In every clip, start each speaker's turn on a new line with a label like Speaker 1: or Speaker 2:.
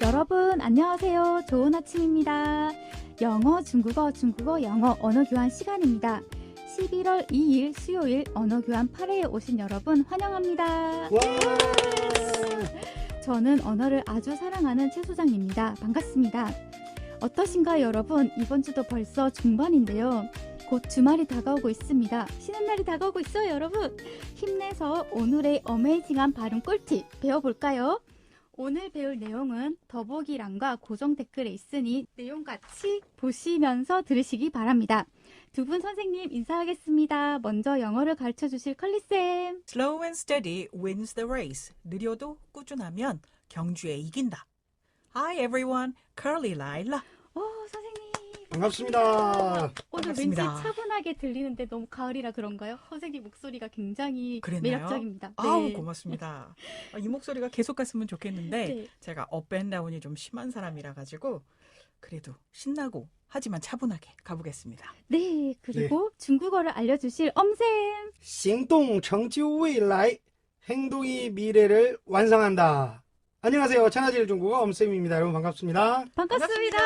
Speaker 1: 여러분 안녕하세요. 좋은 아침입니다. 영어, 중국어, 영어 언어 교환 시간입니다. 11월 2일 수요일 언어 교환 8회에 오신 여러분 환영합니다.
Speaker 2: 와!
Speaker 1: 저는 언어를 아주 사랑하는 최 소장입니다. 반갑습니다. 어떠신가요, 여러분? 이번 주도 벌써 중반인데요. 곧 주말이 다가오고 있습니다. 쉬는 날이 다가오고 있어요, 여러분. 힘내서 오늘의 어메이징한 발음 꿀팁 배워볼까요? 오늘 배울 내용은 더보기란과 고정 댓글에 있으니 내용 같이 보시면서 들으시기 바랍니다. 두 분 선생님 인사하겠습니다. 먼저 영어를 가르쳐주실 컬리쌤.
Speaker 3: Slow and steady wins the race. 느려도 꾸준하면 경주에 이긴다. Hi everyone, Curly Lila.
Speaker 1: 선생님.
Speaker 2: 반갑습니다.
Speaker 1: 오늘
Speaker 3: 반갑습니다.
Speaker 1: 왠지 차분하게 들리는데 너무 가을이라 그런가요? 선생님 목소리가 굉장히
Speaker 3: 그랬나요?
Speaker 1: 매력적입니다.
Speaker 3: 아우 고맙습니다. 이 목소리가 계속 갔으면 좋겠는데
Speaker 1: 네.
Speaker 3: 제가 업앤다운이 좀 심한 사람이라 가지고 그래도 신나고 하지만 차분하게 가보겠습니다.
Speaker 1: 네, 그리고 중국어를 알려주실 엄쌤.
Speaker 2: 行动成就未来, 행동이 미래를 완성한다. 안녕하세요. 천하제일 중국어 엄쌤입니다. 여러분 반갑습니다.
Speaker 1: 반갑습니다.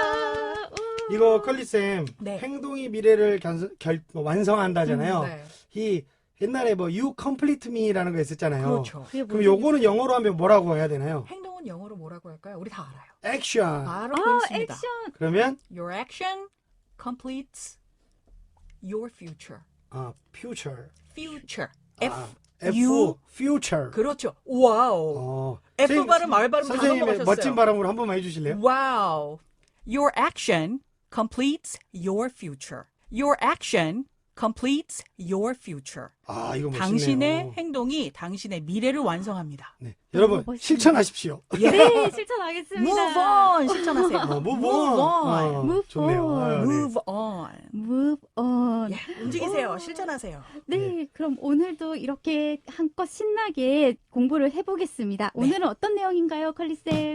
Speaker 2: 이거 컬리쌤,
Speaker 3: 네.
Speaker 2: 행동이 미래를 완성한다잖아요.
Speaker 3: 네.
Speaker 2: 이 옛날에 뭐 you complete me라는 거 있었잖아요.
Speaker 3: 그렇죠.
Speaker 2: 그럼 요거는 영어로 하면 뭐라고 해야 되나요?
Speaker 3: 행동은 영어로 뭐라고 할까요? 우리 다 알아요.
Speaker 2: 액션.
Speaker 3: 바로 그렇습니다.
Speaker 1: 액션.
Speaker 2: 그러면
Speaker 3: Your action completes your future.
Speaker 2: future.
Speaker 3: Future.
Speaker 2: 아,
Speaker 3: F, U.
Speaker 2: future.
Speaker 3: 그렇죠. 와우. F
Speaker 2: 선생님,
Speaker 3: 발음, R 발음 다
Speaker 2: 선생님의
Speaker 3: 넘어가셨어요.
Speaker 2: 멋진 발음으로 한 번만 해주실래요?
Speaker 3: Wow. Your action completes your future. Your action completes your future.
Speaker 2: 아, 이거 멋있네요.
Speaker 3: 당신의 행동이 당신의 미래를 완성합니다.
Speaker 2: 네. 여러분
Speaker 1: 멋있네요.
Speaker 2: 실천하십시오.
Speaker 1: 네, 실천하겠습니다.
Speaker 3: Move on 실천하세요.
Speaker 2: move on.
Speaker 1: Move
Speaker 2: 좋네요.
Speaker 1: on.
Speaker 2: 네.
Speaker 3: Move on.
Speaker 1: Move on.
Speaker 3: 예, 움직이세요. 실천하세요.
Speaker 1: 네, 그럼 오늘도 이렇게 한껏 신나게 공부를 해보겠습니다.
Speaker 3: 네.
Speaker 1: 오늘은 어떤 내용인가요, 컬리쌤?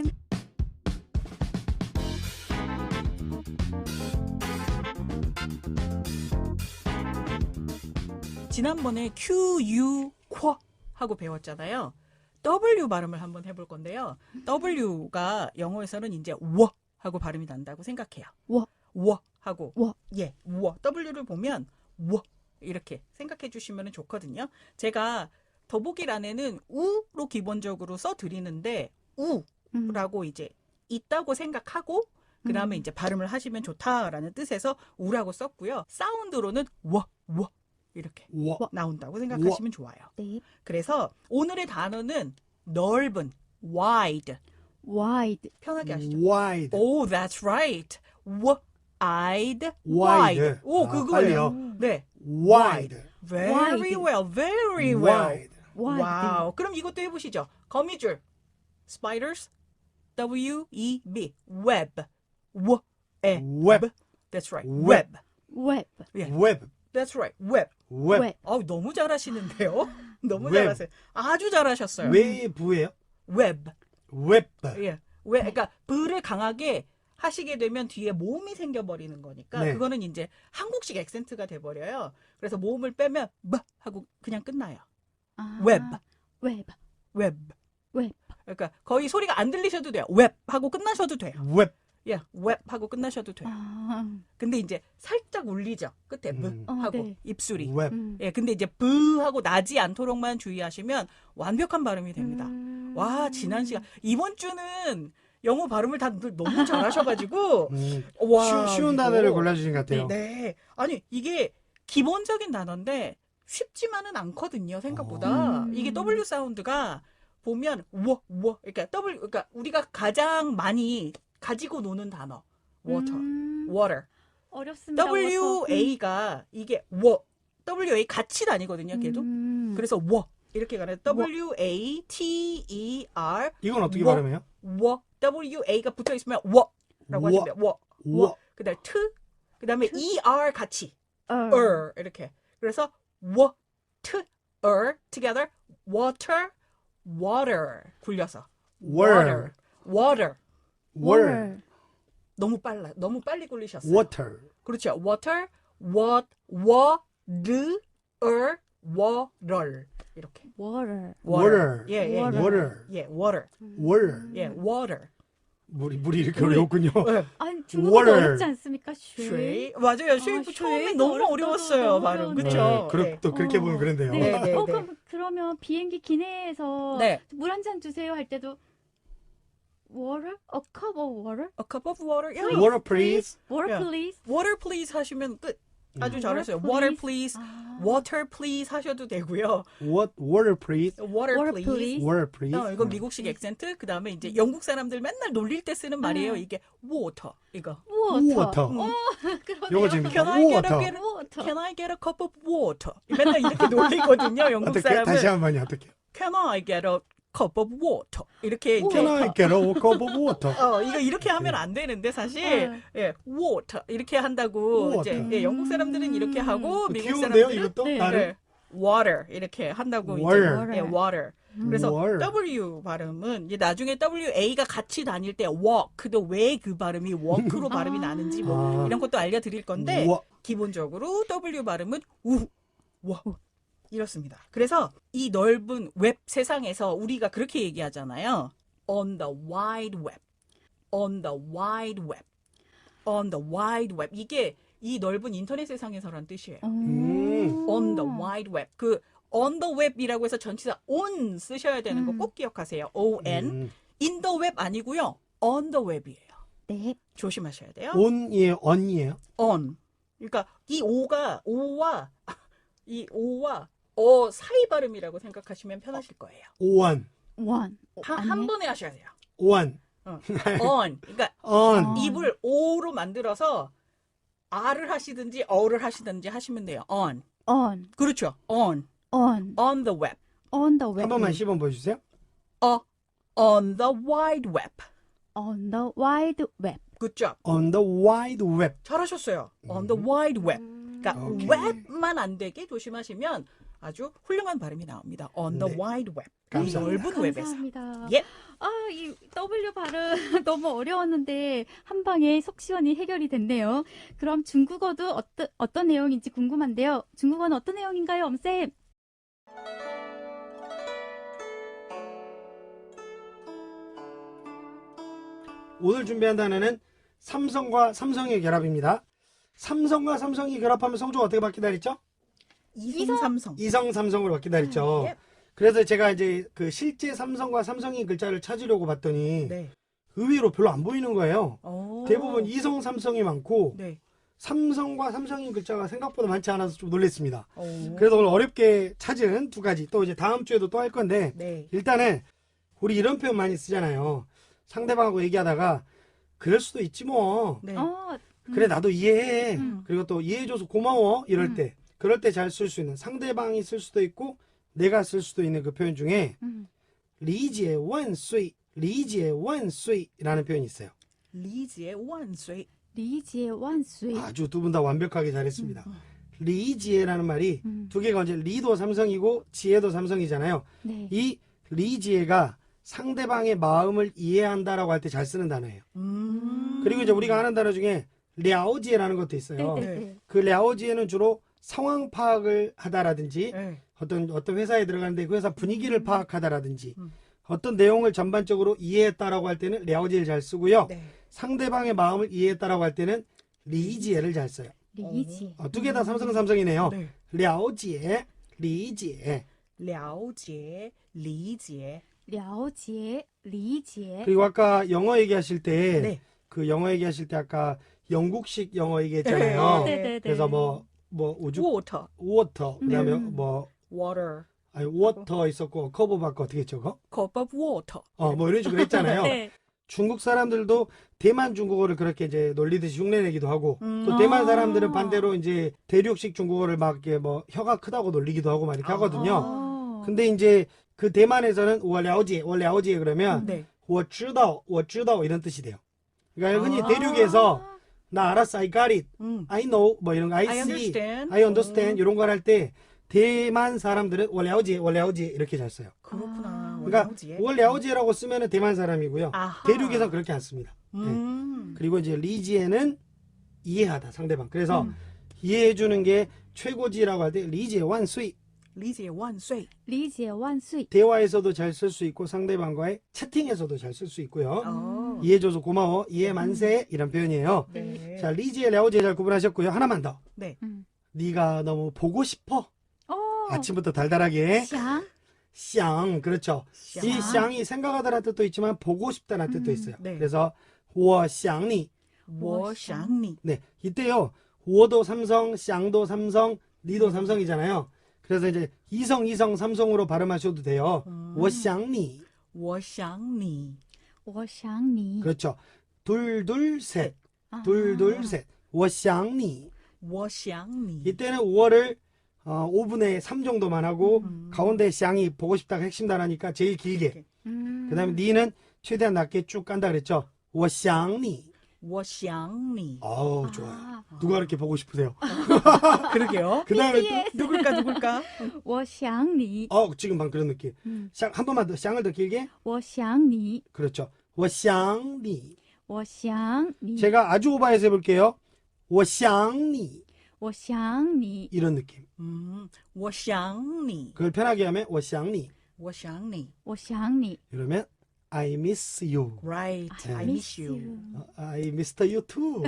Speaker 3: 지난번에 Q, U, 쿼 하고 배웠잖아요. W 발음을 한번 해볼 건데요. W가 영어에서는 이제 워 하고 발음이 난다고 생각해요. 워 하고
Speaker 1: 워.
Speaker 3: 예, 워. W를 보면 워 이렇게 생각해 주시면 좋거든요. 제가 더보기란에는 우로 기본적으로 써드리는데 우라고 이제 있다고 생각하고 그 다음에 이제 발음을 하시면 좋다라는 뜻에서 우라고 썼고요. 사운드로는 워 이렇게
Speaker 2: 와.
Speaker 3: 나온다고 생각하시면 좋아요.
Speaker 1: 네,
Speaker 3: 그래서 오늘의 단어는 넓은, wide.
Speaker 1: wide.
Speaker 3: 편하게 하시죠.
Speaker 2: wide.
Speaker 3: Oh, that's right. wide.
Speaker 2: wide.
Speaker 3: 오,
Speaker 2: 아,
Speaker 3: 그거예요.
Speaker 2: 빨리요.
Speaker 3: 네.
Speaker 2: wide.
Speaker 3: Very
Speaker 1: Wide.
Speaker 3: well, very well.
Speaker 2: wide.
Speaker 1: wide.
Speaker 3: 와우. 그럼 이것도 해보시죠. 거미줄. spiders. W-E-B. web.
Speaker 2: web.
Speaker 3: That's right.
Speaker 2: Web.
Speaker 3: web.
Speaker 1: web.
Speaker 3: 예.
Speaker 2: web.
Speaker 3: That's right. web.
Speaker 2: web.
Speaker 1: web.
Speaker 3: 너무 잘하시는데요? 너무
Speaker 2: Web.
Speaker 3: 잘하세요. 아주 잘하셨어요.
Speaker 2: 웨이브예요?
Speaker 3: web.
Speaker 2: 웹.
Speaker 3: 예. 왜, 그러니까, 불을 강하게 하시게 되면 뒤에 모음이 생겨버리는 거니까,
Speaker 2: 네.
Speaker 3: 그거는 이제 한국식 액센트가 돼버려요. 그래서 모음을 빼면, 하고 그냥 끝나요.
Speaker 1: 아,
Speaker 3: web.
Speaker 1: web.
Speaker 3: web.
Speaker 1: web.
Speaker 3: 그러니까 거의 소리가 안 들리셔도 돼요. web 하고 끝나셔도 돼요.
Speaker 2: 웹.
Speaker 3: 예, web 하고 끝나셔도 돼요.
Speaker 1: 아,
Speaker 3: 근데 이제 살짝 울리죠. 끝에 하고
Speaker 1: 네.
Speaker 3: 입술이.
Speaker 2: 웹.
Speaker 3: 예, 근데 이제 브 하고 나지 않도록만 주의하시면 완벽한 발음이 됩니다. 와, 지난 시간 이번 주는 영어 발음을 다 너무 잘하셔가지고 와,
Speaker 2: 쉬운
Speaker 3: 이거.
Speaker 2: 단어를 골라주신 것 같아요.
Speaker 3: 네, 아니 이게 기본적인 단어인데 쉽지만은 않거든요. 생각보다 이게 W 사운드가 보면 그러니까 우리가 가장 많이 가지고 노는 단어 water, water.
Speaker 1: 어렵습니다.
Speaker 3: WA가 이게 WA 같이 다니거든요. 걔도. 그래서 이렇게 가는 WATER.
Speaker 2: 이건 어떻게
Speaker 3: 워.
Speaker 2: 발음해요?
Speaker 3: WA가 붙어 있으면 라고 하시면 돼요.
Speaker 2: 워.
Speaker 3: 그다음에 그다음에 ER 같이 이렇게. 그래서 together water 굴려서
Speaker 2: Water.
Speaker 3: water. 너무 빨리 굴리셨어요.
Speaker 2: water.
Speaker 3: 그렇죠. water, water 이렇게.
Speaker 1: water.
Speaker 2: water.
Speaker 3: 예, 예.
Speaker 1: Water.
Speaker 2: water.
Speaker 3: 예, water.
Speaker 2: water.
Speaker 3: 예, water.
Speaker 2: 물이 이렇게
Speaker 3: 물이.
Speaker 2: 어려웠군요.
Speaker 3: 네.
Speaker 1: 아니 중국어도
Speaker 2: water.
Speaker 1: 어렵지 않습니까?
Speaker 3: 쉐이. 맞아요. 쉐이 처음에
Speaker 1: 쉐이도
Speaker 3: 너무
Speaker 1: 어렵다,
Speaker 3: 어려웠어요.
Speaker 1: 너무
Speaker 3: 발음.
Speaker 1: 어려운데.
Speaker 3: 그쵸?
Speaker 2: 또 그렇게 보면 그런데요.
Speaker 1: 네.
Speaker 3: 네, 네, 네.
Speaker 1: 그러면 비행기 기내에서
Speaker 3: 네.
Speaker 1: 물 한 잔 주세요 할 때도 water? A cup of water?
Speaker 3: A cup of water. 야,
Speaker 2: Water please.
Speaker 1: Water
Speaker 3: 야.
Speaker 1: please?
Speaker 3: water please 하시면 끝. 아주
Speaker 2: 음.
Speaker 3: 잘했어요.
Speaker 1: Water
Speaker 3: water please.
Speaker 1: 아.
Speaker 3: water please 하셔도 되고요.
Speaker 2: Water please.
Speaker 3: water
Speaker 1: Water
Speaker 3: please.
Speaker 1: please.
Speaker 2: Water please.
Speaker 3: 이건 미국식 액센트. 그다음에 이제 영국 사람들 맨날 놀릴 때 쓰는 말이에요. 이게 water. 이거.
Speaker 1: water.
Speaker 2: Water.
Speaker 1: 그러네요.
Speaker 2: 요거 재밌다.
Speaker 3: Can I get a,
Speaker 2: water.
Speaker 3: get a-
Speaker 1: water.
Speaker 3: can I get a cup of water? 맨날 이렇게 놀리거든요. 영국
Speaker 2: 어떻게
Speaker 3: 사람은.
Speaker 2: 다시 한 번요. 어떻게?
Speaker 3: Can I get a cup of water? 이렇게 이제
Speaker 2: Can I get a cup of water?
Speaker 3: 이거 이렇게 하면 안 되는데 사실 예, water 이렇게 한다고
Speaker 2: water.
Speaker 3: 이제 예, 영국 사람들은 이렇게 하고 미국
Speaker 2: 귀여운데요,
Speaker 3: 사람들은
Speaker 2: 이것도?
Speaker 1: 네.
Speaker 2: 나름?
Speaker 3: 예, water 이렇게 한다고
Speaker 2: water.
Speaker 3: 이제 예, water. 그래서
Speaker 2: water.
Speaker 3: W 발음은 이제 나중에 WA가 같이 다닐 때 walk도 왜 그 발음이 walk로 발음이 나는지 뭐
Speaker 2: 아.
Speaker 3: 이런 것도 알려드릴 건데
Speaker 2: 와.
Speaker 3: 기본적으로 W 발음은 와 이렇습니다. 그래서 이 넓은 웹 세상에서 우리가 그렇게 얘기하잖아요. On the wide web, on the wide web, on the wide web. 이게 이 넓은 인터넷 세상에서란 뜻이에요. On the wide web. 그 on the web이라고 해서 전치사 on 쓰셔야 되는 거 꼭 기억하세요. on. in the web 아니고요. on the web이에요.
Speaker 1: 네.
Speaker 3: 조심하셔야 돼요.
Speaker 2: on이에요, on이에요.
Speaker 3: on. 그러니까 이 오가 사이 발음이라고 생각하시면 편하실 거예요.
Speaker 2: on,
Speaker 1: one.
Speaker 3: 한 번에 하셔야 돼요.
Speaker 2: on,
Speaker 3: on. 그러니까
Speaker 2: on.
Speaker 3: 입을 o로 만들어서 r을 하시든지 어를 하시든지 하시면 돼요. on.
Speaker 1: on.
Speaker 3: 그렇죠. on.
Speaker 1: on.
Speaker 3: on the web.
Speaker 1: on the web.
Speaker 2: 한 번만 시범 보여주세요.
Speaker 3: on the wide web.
Speaker 1: on the wide web.
Speaker 3: Good job.
Speaker 2: On the wide web.
Speaker 3: 잘하셨어요. on the wide web. 그러니까
Speaker 2: 오케이.
Speaker 3: 웹만 안 되게 조심하시면 아주 훌륭한 발음이 나옵니다. on the
Speaker 2: 네.
Speaker 3: wide web. 이
Speaker 2: 감사합니다.
Speaker 3: 넓은 웹에서.
Speaker 1: 감사합니다.
Speaker 3: 예.
Speaker 1: 이 W 발음 너무 어려웠는데 한 방에 속 시원히 해결이 됐네요. 그럼 중국어도 어떤 내용인지 궁금한데요. 중국어는 어떤 내용인가요, 엄쌤?
Speaker 2: 오늘 준비한 단어는 삼성과 삼성의 결합입니다. 삼성과 삼성이 결합하면 성조가 어떻게 바뀐다 그랬죠?
Speaker 3: 이성 삼성.
Speaker 2: 이성 삼성으로 바뀐다 그랬죠.
Speaker 3: 예.
Speaker 2: 그래서 제가 이제 그 실제 삼성과 삼성의 글자를 찾으려고 봤더니
Speaker 3: 네.
Speaker 2: 의외로 별로 안 보이는 거예요.
Speaker 3: 오.
Speaker 2: 대부분 이성 삼성이 많고
Speaker 3: 네.
Speaker 2: 삼성과 삼성의 글자가 생각보다 많지 않아서 좀 놀랐습니다.
Speaker 3: 오.
Speaker 2: 그래서 오늘 어렵게 찾은 두 가지, 또 이제 다음 주에도 또 할 건데,
Speaker 3: 네.
Speaker 2: 일단은 우리 이런 표현 많이 쓰잖아요. 상대방하고 얘기하다가 그럴 수도 있지 뭐.
Speaker 3: 네.
Speaker 2: 그래 나도 이해해.
Speaker 3: 음.
Speaker 2: 그리고 또 이해해줘서 고마워. 이럴 때, 그럴 때 잘 쓸 수 있는, 상대방이 쓸 수도 있고 내가 쓸 수도 있는 그 표현 중에 리지의 원수이, 리지의 원수이라는 표현이 있어요.
Speaker 3: 리지의 원수이.
Speaker 1: 리지의 완수이.
Speaker 2: 아주 두 분 다 완벽하게 잘했습니다. 리지에라는 말이 두 개가 언제 리도 삼성이고 지혜도 삼성이잖아요.
Speaker 1: 네.
Speaker 2: 이 리지에가 상대방의 마음을 이해한다라고 할 때 잘 쓰는 단어예요. 그리고 이제 우리가 아는 단어 중에 랴오지에라는 것도 있어요.
Speaker 1: 네.
Speaker 2: 그 랴오지에는 주로 상황 파악을 하다라든지
Speaker 3: 네.
Speaker 2: 어떤 회사에 들어가는데 그 회사 분위기를 파악하다라든지 어떤 내용을 전반적으로 이해했다라고 할 때는 랴오지에를 잘 쓰고요.
Speaker 3: 네.
Speaker 2: 상대방의 마음을 이해했다라고 할 때는 리지에를 잘 써요.
Speaker 1: 리지.
Speaker 2: 두 개 다 삼성이네요.
Speaker 3: 네.
Speaker 2: 랴오지에, 리지에.
Speaker 3: 了解, 리지에.
Speaker 1: 랴오지에, 리지에.
Speaker 2: 그리고 아까 영어 얘기하실 때,
Speaker 3: 네.
Speaker 2: 그 영어 얘기하실 때 아까 영국식 영어 얘기했잖아요.
Speaker 1: 네.
Speaker 2: 그래서 우주,
Speaker 3: water,
Speaker 2: water, 그 다음에
Speaker 3: water,
Speaker 2: water 있었고, 커버 받고 어떻게 했죠, 그거?
Speaker 3: cup of water.
Speaker 2: 이런 식으로 했잖아요.
Speaker 1: 네.
Speaker 2: 중국 사람들도 대만 중국어를 그렇게 이제 놀리듯이 흉내내기도 하고, 또 대만 사람들은 반대로 이제 대륙식 중국어를 막 이렇게 혀가 크다고 놀리기도 하고 막 이렇게 하거든요. 근데 이제 그 대만에서는 我了解 그러면
Speaker 3: 네.
Speaker 2: 我知道 이런 뜻이 돼요. 그러니까 흔히 대륙에서 나 알았어, I got it, I know 뭐 이런 거, I
Speaker 3: I
Speaker 2: see,
Speaker 3: understand.
Speaker 2: I understand 이런 걸 할 때 대만 사람들은 我了解 이렇게 잘 써요.
Speaker 3: 그렇구나.
Speaker 2: 그러니까
Speaker 3: 了解.
Speaker 2: 我了解라고 쓰면은 대만 사람이고요.
Speaker 3: 아하.
Speaker 2: 대륙에서 그렇게 안 씁니다. 그리고 이제 리지에는 이해하다 상대방. 그래서 이해해 주는 게 최고지라고 할 때 리지에 완수이.
Speaker 3: 리지의 원쇠.
Speaker 1: 리지의 완수이.
Speaker 2: 대화에서도 잘 쓸 수 있고 상대방과의 채팅에서도 잘 쓸 수 있고요.
Speaker 3: 어.
Speaker 2: 이해해줘서 고마워. 이해 만세. 이런 표현이에요.
Speaker 3: 네.
Speaker 2: 자, 리지에 랴오지에 잘 구분하셨고요. 하나만 더.
Speaker 3: 네.
Speaker 2: 네가 너무 보고 싶어.
Speaker 1: 어.
Speaker 2: 아침부터 달달하게.
Speaker 1: 샹.
Speaker 2: 샹. 그렇죠.
Speaker 3: 샹.
Speaker 2: 이 샹이 생각하다라는 뜻도 있지만 보고 싶다는 뜻도 있어요.
Speaker 3: 네.
Speaker 2: 그래서 我想你.
Speaker 3: 我想你.
Speaker 2: 네. 이때요. 我도 삼성, 샹도 삼성, 니도 삼성이잖아요. 그래서 이제 이성 삼성으로 발음하셔도 돼요. 我想你.
Speaker 3: 我想你.
Speaker 1: 我想你.
Speaker 2: 그렇죠. 둘 셋.
Speaker 1: 아.
Speaker 2: 둘 셋. 我想你.
Speaker 3: 我想你.
Speaker 2: 이때는 5월을 5분의 3 정도만 하고 가운데 샹이 보고 싶다가 핵심 단어니까 제일 길게. 그다음에 니는 최대한 낮게 쭉 간다 그랬죠. 我想你.
Speaker 3: 我想你.
Speaker 2: 아우 좋아요.
Speaker 1: 아.
Speaker 2: 누가 이렇게 보고 싶으세요?
Speaker 3: 그러게요.
Speaker 2: 그다음에 또
Speaker 3: 누굴까?
Speaker 1: 我想你.
Speaker 2: 지금 방 그런 느낌.
Speaker 1: 음.
Speaker 2: 샹 한 번만 더 샹을 더 길게.
Speaker 1: 我想你.
Speaker 2: 그렇죠. 我想你.
Speaker 1: 我想你.
Speaker 2: 제가 아주 오버해서 해볼게요. 我想你.
Speaker 1: 我想你.
Speaker 2: 이런 느낌.
Speaker 3: 我想你.
Speaker 2: 그걸 편하게 하면 我想你.
Speaker 3: 我想你.
Speaker 1: 我想你.
Speaker 2: 이러면 I miss you.
Speaker 3: Right. I miss you.
Speaker 2: I missed you too.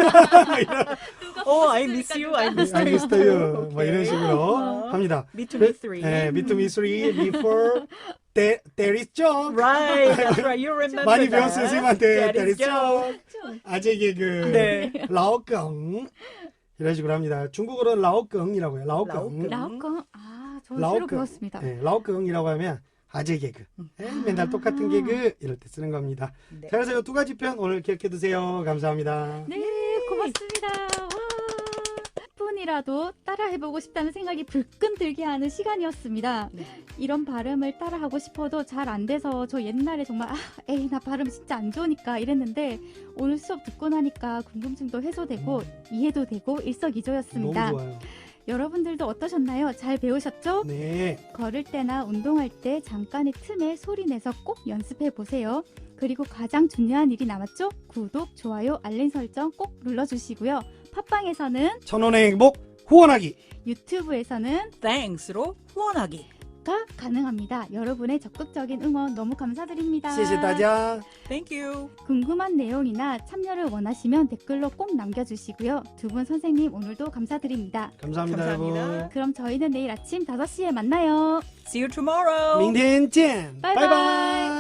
Speaker 3: Oh, I miss you. I miss
Speaker 2: I
Speaker 3: you.
Speaker 2: missed you. 뭐 이런 식으로 합니다.
Speaker 3: Me to me three.
Speaker 2: 네, me to me three before there is joke.
Speaker 3: Right. That's right. You remember
Speaker 2: 많이
Speaker 3: that.
Speaker 2: 배웠어요, 선생님한테.
Speaker 3: That
Speaker 2: there
Speaker 3: is
Speaker 2: is joke. 아재 개그.
Speaker 3: 네.
Speaker 2: 라오껑. 이런 식으로 합니다. 중국어로는 라오껑이라고 해요. 라오껑.
Speaker 3: 라오껑.
Speaker 1: 라오꺼. 아, 저 새로
Speaker 2: 라오껑.
Speaker 1: 배웠습니다.
Speaker 2: 네, 라오껑이라고 하면 아재 개그. 맨날 똑같은 개그 이럴 때 쓰는 겁니다.
Speaker 3: 네.
Speaker 2: 자, 그래서 이 두 가지 표현 오늘 기억해 두세요. 감사합니다.
Speaker 1: 네, 고맙습니다. 와, 한 분이라도 따라해보고 싶다는 생각이 불끈 들게 하는 시간이었습니다.
Speaker 3: 네.
Speaker 1: 이런 발음을 따라하고 싶어도 잘 안 돼서 저 옛날에 정말 에이 나 발음 진짜 안 좋으니까 이랬는데 오늘 수업 듣고 나니까 궁금증도 해소되고 이해도 되고 일석이조였습니다.
Speaker 2: 너무 좋아요.
Speaker 1: 여러분들도 어떠셨나요? 잘 배우셨죠?
Speaker 2: 네.
Speaker 1: 걸을 때나 운동할 때 잠깐의 틈에 소리 내서 꼭 연습해 보세요. 그리고 가장 중요한 일이 남았죠? 구독, 좋아요, 알림 설정 꼭 눌러주시고요. 팟빵에서는
Speaker 2: 1000원의 행복 후원하기.
Speaker 1: 유튜브에서는
Speaker 3: Thanks로 후원하기.
Speaker 1: 가 가능합니다. 여러분의 적극적인 응원 너무 감사드립니다.
Speaker 2: 谢谢大家.
Speaker 3: Thank you.
Speaker 1: 궁금한 내용이나 참여를 원하시면 댓글로 꼭 남겨주시고요. 두 분 선생님 오늘도 감사드립니다.
Speaker 2: 감사합니다,
Speaker 3: 감사합니다.
Speaker 2: 여러분.
Speaker 1: 그럼 저희는 내일 아침 5시에 만나요.
Speaker 3: See you tomorrow.
Speaker 2: 明天见.
Speaker 1: 바이바이.
Speaker 2: 바이바이.